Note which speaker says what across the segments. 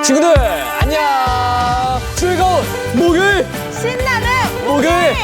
Speaker 1: 친구들 안녕. 즐거운 목요일,
Speaker 2: 신나는
Speaker 1: 목요일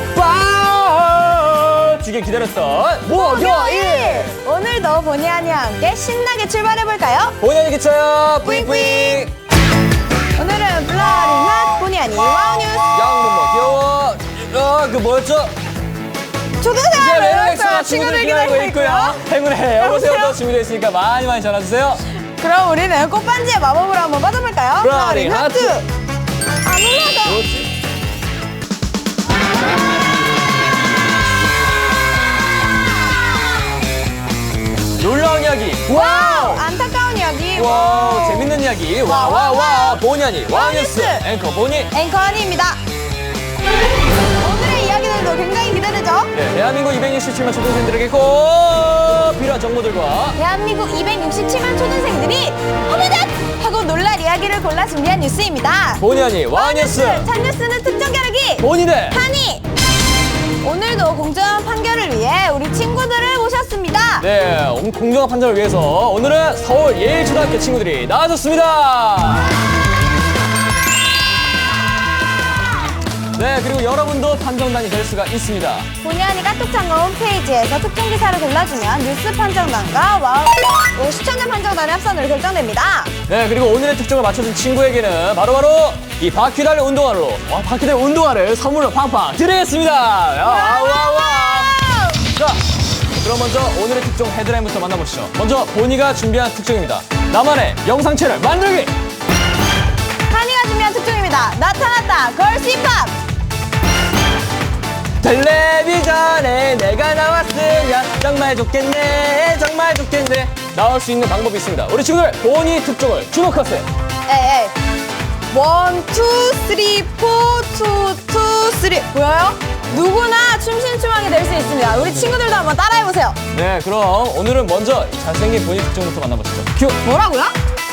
Speaker 1: 먹방 주길 기다렸던 목요일.
Speaker 2: 오늘도 보니 아니와 함께 신나게 출발해볼까요?
Speaker 1: 본연이 기차요 뿌잉뿌잉.
Speaker 2: 오늘은 블러리 맛 보니 아니 와우 뉴스.
Speaker 1: 양눈 뭐 귀여워. 그 뭐였죠?
Speaker 2: 초등생활
Speaker 1: 레벨
Speaker 2: 엑스트라 친구들 기다리고 있고요.
Speaker 1: 행운의 여보세요도 준비되어 있으니까 많이 많이 전화주세요.
Speaker 2: 그럼 우리는 꽃반지의 마법으로 한번 빠져볼까요?
Speaker 1: 블러리 하트.
Speaker 2: 안 올라가.
Speaker 1: 그렇지. 놀라운 이야기.
Speaker 2: 와우! 안타까운 이야기.
Speaker 1: 와우, 재밌는 이야기. 와와와 보니 아니 와우 뉴스
Speaker 2: 뉴스.
Speaker 1: 앵커 보니.
Speaker 2: 앵커 아니입니다. 오늘의 이야기들도 굉장히 기대되죠?
Speaker 1: 네, 대한민국 267만 초등생들에게 꼭 필요한 정보들과
Speaker 2: 대한민국 267만 초등생들이 어머나! 하고 놀랄 이야기를 골라 준비한 뉴스입니다.
Speaker 1: 보니 아니 와우 뉴스.
Speaker 2: 찬 뉴스는 특정 겨루기
Speaker 1: 보니네.
Speaker 2: 한이. 오늘도 공정한 판결을 위해 우리 친구들을 모셨습니다.
Speaker 1: 네, 공정한 판정을 위해서 오늘은 서울 예일초등학교 친구들이 나와줬습니다. 네, 그리고 여러분도 판정단이 될 수가 있습니다.
Speaker 2: 본의 아니 카톡창과 홈페이지에서 특정 기사를 골라주면 뉴스 판정단과 와우 시청자 판정단의 합산으로 결정됩니다.
Speaker 1: 네, 그리고 오늘의 특정을 맞춰준 친구에게는 바로바로 이 바퀴 달린 운동화로 바퀴 달린 운동화를 선물로 팡팡 드리겠습니다. 와와와. 자, 그럼 먼저 오늘의 특정 헤드라인부터 만나보시죠. 먼저 보니가 준비한 특정입니다. 나만의 영상 채널 만들기.
Speaker 2: 한이가 준비한 특종입니다. 나타났다 걸스 힙합.
Speaker 1: 텔레비전에 내가 나왔으면 정말 좋겠네, 정말 좋겠네. 나올 수 있는 방법이 있습니다. 우리 친구들 보니 특종을 주목하세요.
Speaker 2: 에이 원, 투, 쓰리, 포, 투, 투, 쓰리. 보여요? 누구나 춤신추방이 될 수 있습니다. 우리 친구들도 한번 따라해보세요.
Speaker 1: 네, 그럼 오늘은 먼저 잘생긴 보니 특종부터 만나보시죠. 큐.
Speaker 2: 뭐라고요?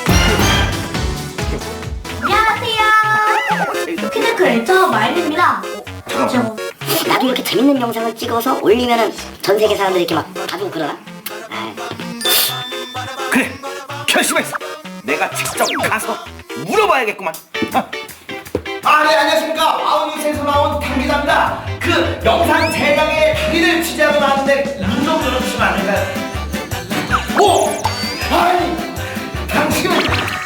Speaker 3: 안녕하세요. 피드크리에이터 마일입니다.
Speaker 4: 잠깐만. 나도 이렇게 재밌는 영상을 찍어서 올리면은 전 세계 사람들이 이렇게 막 봐주고 그러나? 아이.
Speaker 5: 그래, 결심했어. 내가 직접 가서 물어봐야겠구만. 네, 안녕하십니까. 아우니스에서 나온 당기자입니다. 그 영상 제작에 당기를 취재하고 나왔는데 문 좀 열어주시면 안 될까요? 오! 아니, 당신은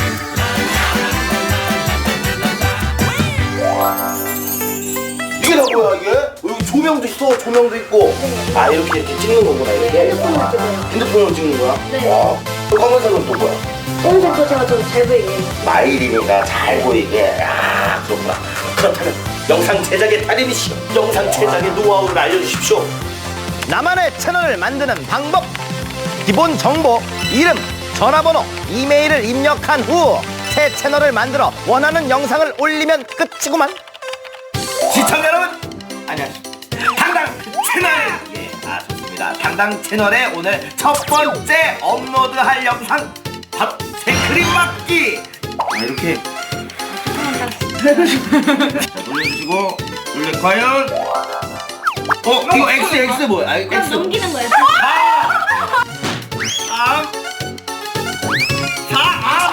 Speaker 5: 이게 다 뭐야 이게? 여기 조명도 있어, 조명도 있고. 아, 이렇게 찍는 거구나 이렇게. 핸드폰으로 찍는 거야?
Speaker 3: 네.
Speaker 5: 와, 그 검은색은 또 뭐야?
Speaker 3: 오늘 제가 좀 잘 보이게.
Speaker 5: 마일이니까 잘 보이게. 아, 그렇구나. 그렇다면 영상 제작의 달인이시여, 영상 제작의 노하우를 알려주십시오. 나만의 채널을 만드는 방법. 기본 정보, 이름, 전화번호, 이메일을 입력한 후 새 채널을 만들어 원하는 영상을 올리면 끝이구만. 시청자 여러분, 안녕하십니까. 당당 채널. 예, 좋습니다. 당당 채널에 오늘 첫 번째 업로드할 영상 바로 생크림 막기. 이렇게 자, 돌려주시고 올려. 과연 이거 X 뭐야? X
Speaker 3: 넘기는 거예요.
Speaker 5: 3 4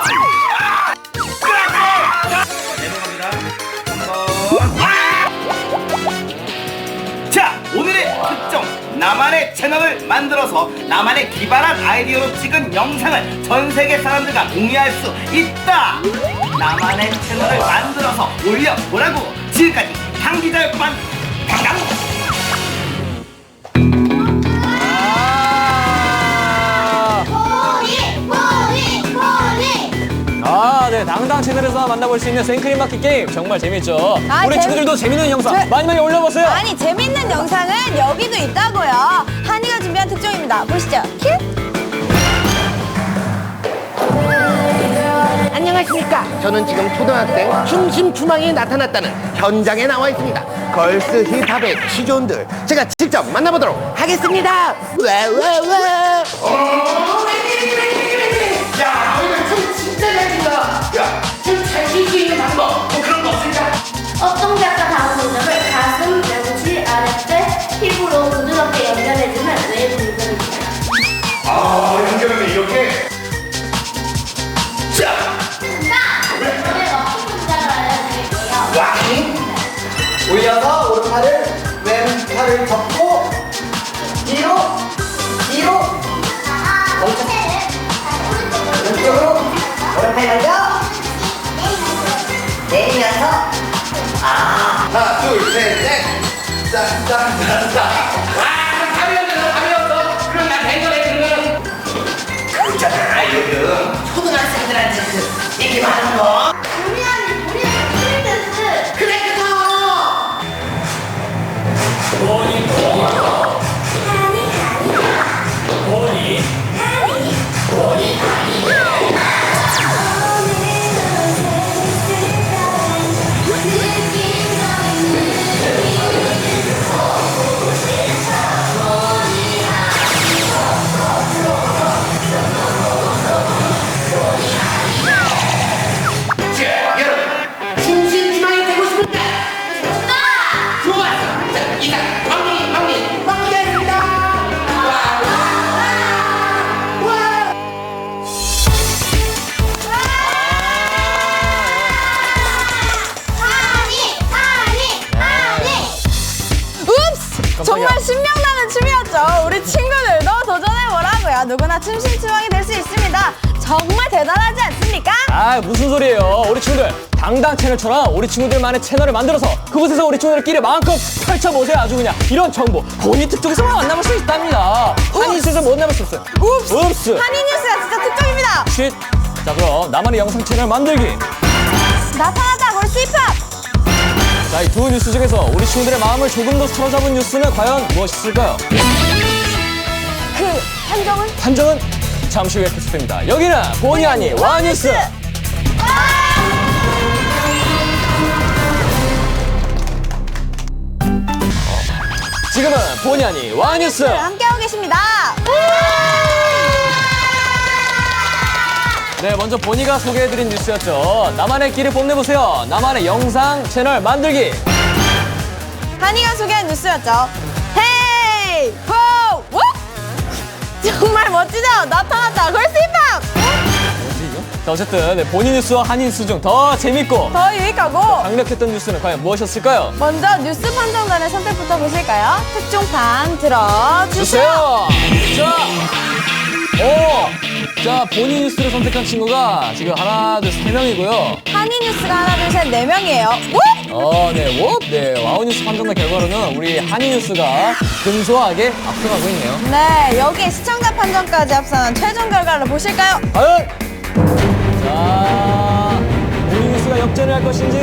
Speaker 5: 자, 오늘의 특정 나만의 채널을 만들어서 나만의 기발한 아이디어로 찍은 영상을 전 세계 사람들과 공유할 수 있다. 나만의 채널을 만들어서 올려보라고. 지금까지 당기자였구만. 당당.
Speaker 1: 네, 당당 채널에서 만나볼 수 있는 생크림 마켓 게임 정말 재밌죠. 우리 친구들도 재밌는 영상 많이 많이 올려보세요.
Speaker 2: 아니 재밌는 영상은 여기도 있다고요. 한이가 준비한 특종입니다. 보시죠. 큐.
Speaker 6: 안녕하십니까. 저는 지금 초등학생 춤심추망이 나타났다는 현장에 나와 있습니다. 걸스 힙합의 시존들 제가 직접 만나보도록 하겠습니다. 와.
Speaker 5: 야, 오늘 춤 진짜 잘 춘다. 야, 춤 잘 출 수 있는 방법 그런 거 없을까?
Speaker 3: 동작과 다음 동작을 가슴, 명치, 아랫배, 피부로 부드럽게 연결해주는 웨이브 운동입니다.
Speaker 5: 연결하면 이렇게. 자,
Speaker 6: 이어서 오른팔을 왼팔을 접고 뒤로 왼쪽으로 오른팔 먼저 내리면서 하나 둘셋넷 짝짝짝짝 감이 없어 그럼 나 뱅거래 그러면 그렇잖아 요즘 초등학생들한테 얘기 많은 거
Speaker 3: 우리 프린세스.
Speaker 6: 그래 자, 여러분 중심지망이 되고 싶은데 좋았어. 자, 이상 왕리 됐습니다.
Speaker 2: 읍스! 정말 신명나는 춤이었죠. 우리 친구들도 도전해보라고요. 누구나 춤신추방이 될 수 있습니다. 정말 대단하지 않습니까?
Speaker 1: 아, 무슨 소리예요. 우리 친구들 당당 채널처럼 우리 친구들만의 채널을 만들어서 그곳에서 우리 친구들끼리 마음껏 펼쳐보세요. 아주 그냥 이런 정보 본인 특종에서만 만나볼 수 있답니다. 한인뉴스에서 못 남을 수 없어요. 읍스!
Speaker 2: 한인뉴스가 진짜 특종입니다.
Speaker 1: 쉿! 자, 그럼 나만의 영상 채널 만들기.
Speaker 2: 나타나다 골스 힙합.
Speaker 1: 자, 이 두 뉴스 중에서 우리 친구들의 마음을 조금 더 사로잡은 뉴스는 과연 무엇일까요?
Speaker 2: 그 판정은?
Speaker 1: 판정은 잠시 후에 계속됩니다. 여기는 본의 아닌 와뉴스. 지금은 본의 아닌 와뉴스.
Speaker 2: 함께하고 계십니다.
Speaker 1: 네, 먼저 본이가 소개해드린 뉴스였죠. 나만의 길을 뽐내보세요. 나만의 영상 채널 만들기.
Speaker 2: 한이가 소개한 뉴스였죠. 헤이! 호! 워! 정말 멋지죠? 나타났다. 골스 힙합!
Speaker 1: 뭐지 이거? 자, 어쨌든 네, 본인 뉴스와 한인 뉴스 중 더 재밌고
Speaker 2: 더 유익하고
Speaker 1: 강력했던 뉴스는 과연 무엇이었을까요?
Speaker 2: 먼저 뉴스 판정단의 선택부터 보실까요? 특종판 들어주세요.
Speaker 1: 주세요! 자, 본인 뉴스를 선택한 친구가 지금 하나, 둘, 세 명이고요.
Speaker 2: 한이 뉴스가 하나, 둘, 셋, 네 명이에요.
Speaker 1: 네, 와우뉴스 판정단 결과로는 우리 한인 뉴스가 근소하게 앞서가고 있네요.
Speaker 2: 네, 여기에 시청자 판정까지 합산한 최종 결과를 보실까요?
Speaker 1: 과연! 자, 본인 뉴스가 역전을 할 것인지,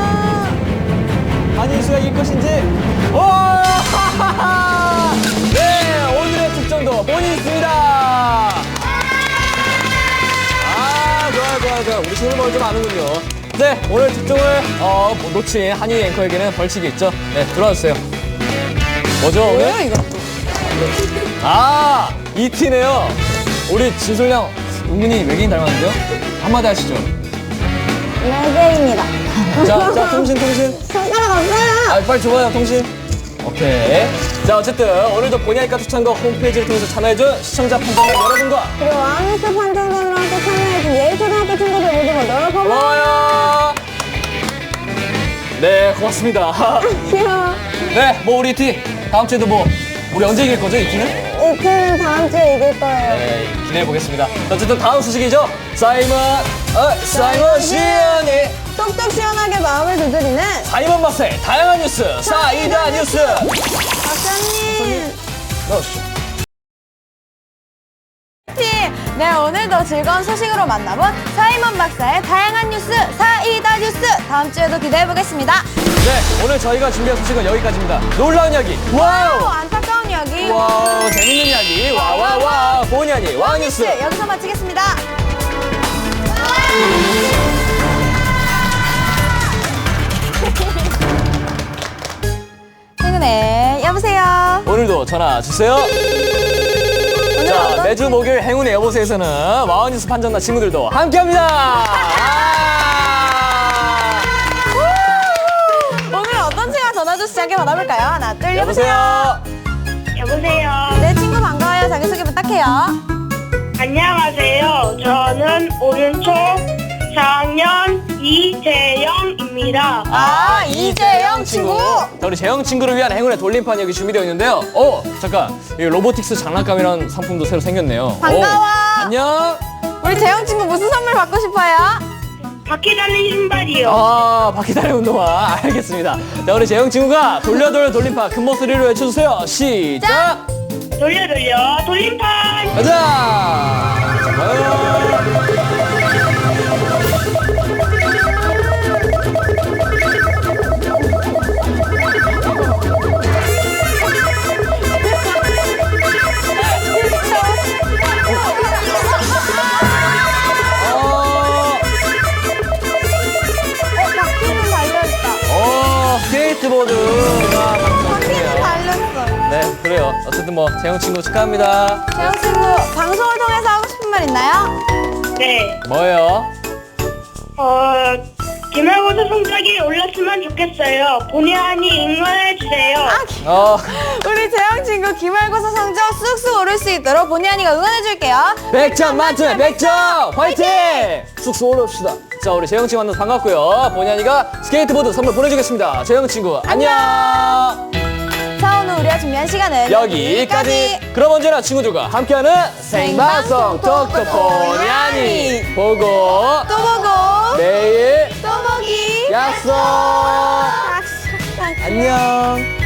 Speaker 1: 한인 뉴스가 이길 것인지, 네, 오늘의 특정도 본인 뉴스입니다! 좋아요. 우리 친구들 뭘 좀 아는군요. 네, 오늘 특종을 놓친 한인 앵커에게는 벌칙이 있죠. 네, 들어와주세요. 뭐죠, 오늘?
Speaker 2: 뭐예요, 이거?
Speaker 1: 이 티네요. 우리 진솔양 은근히 외계인 닮았는데요? 한마디 하시죠.
Speaker 2: 레게입니다.
Speaker 1: 자, 통신.
Speaker 2: 손가락 없어요.
Speaker 1: 빨리 줘봐요, 통신. 오케이. 자, 어쨌든 오늘도 본의아니까 추천과 홈페이지를 통해서 참여해준 시청자 판정단 여러분과
Speaker 2: 그리고 와우뉴스 판정단으로 함께 참여해준 예일초등학교 친구들 모두 모두 고마워요.
Speaker 1: 고마워요. 네, 고맙습니다.
Speaker 2: 귀여워.
Speaker 1: 네, 뭐 우리 티 다음 주에도 뭐 우리 언제 이길 거죠, 이 티는?
Speaker 2: 이 팀은 다음 주에 이길 거예요.
Speaker 1: 네, 기대해 보겠습니다. 어쨌든 다음 소식이죠. 사이먼 시연이
Speaker 2: 똑똑 시원하게 마음을 두드리는
Speaker 1: 사이먼 맛의 다양한 뉴스 사이다 뉴스.
Speaker 2: 박사님.
Speaker 1: 넣으시죠.
Speaker 2: 네, 오늘도 즐거운 소식으로 만나본 사이먼 박사의 다양한 뉴스 사이다 뉴스 다음 주에도 기대해 보겠습니다.
Speaker 1: 네, 오늘 저희가 준비한 소식은 여기까지입니다. 놀라운 이야기, 와우!
Speaker 2: 안타까운 이야기,
Speaker 1: 와우, 재밌는 이야기, 와와와, 본의 아닌 와뉴스.
Speaker 2: 여기서 마치겠습니다. 행운의 여보세요.
Speaker 1: 오늘도 전화 주세요. 자, 매주 목요일 행운의 여보세요에서는 와우뉴스 판정단 친구들도 함께합니다.
Speaker 2: 오늘 어떤 친구가 전화 주시지 않게 받아볼까요? 하나, 둘,
Speaker 1: 여보세요.
Speaker 3: 여보세요.
Speaker 2: 네, 친구 반가워요. 자기소개 부탁해요.
Speaker 3: 안녕하세요. 저는 오른쪽 4학년 이재영입니다. 있습니다.
Speaker 2: 아, 이재영 친구.
Speaker 1: 자, 우리 재영 친구를 위한 행운의 돌림판이 여기 준비되어 있는데요. 잠깐. 이 로보틱스 장난감이라는 상품도 새로 생겼네요.
Speaker 2: 반가워.
Speaker 1: 안녕.
Speaker 2: 우리 재영 친구 무슨 선물 받고 싶어요?
Speaker 3: 바퀴 달린 신발이요.
Speaker 1: 바퀴 달린 운동화. 알겠습니다. 자, 우리 재영 친구가 돌려 돌림판 큰 목소리로 외쳐주세요. 시작!
Speaker 3: 돌려 돌림판.
Speaker 1: 가자!
Speaker 2: 바퀴는 달려있다.
Speaker 1: 스케이트보드가
Speaker 2: 바퀴는
Speaker 1: 방송이에요.
Speaker 2: 달렸어요.
Speaker 1: 네, 그래요. 어쨌든 뭐 재영 친구 축하합니다.
Speaker 2: 재영 친구, 방송을 통해서 하고 싶은 말 있나요?
Speaker 3: 네.
Speaker 1: 뭐예요?
Speaker 3: 기말고사 성적이 올랐으면 좋겠어요. 본의 아니 응원해주세요.
Speaker 2: 우리 재영 친구 기말고사 성적 쑥쑥 오를 수 있도록 본의 아니가 응원해줄게요.
Speaker 1: 100점 만점에 100점! 화이팅! 쑥쑥 올라옵시다. 자, 우리 재영 친구 만나서 반갑고요. 본의아니가 스케이트보드 선물 보내주겠습니다. 재영 친구, 안녕!
Speaker 2: 자, 오늘 우리가 준비한 시간은
Speaker 1: 여기까지. 그럼 언제나 친구들과 함께하는 생방송 톡톡 본의아니 보고
Speaker 2: 또 보고
Speaker 1: 내일
Speaker 2: 또 보기
Speaker 1: 약속!
Speaker 2: 약속.
Speaker 1: 안녕!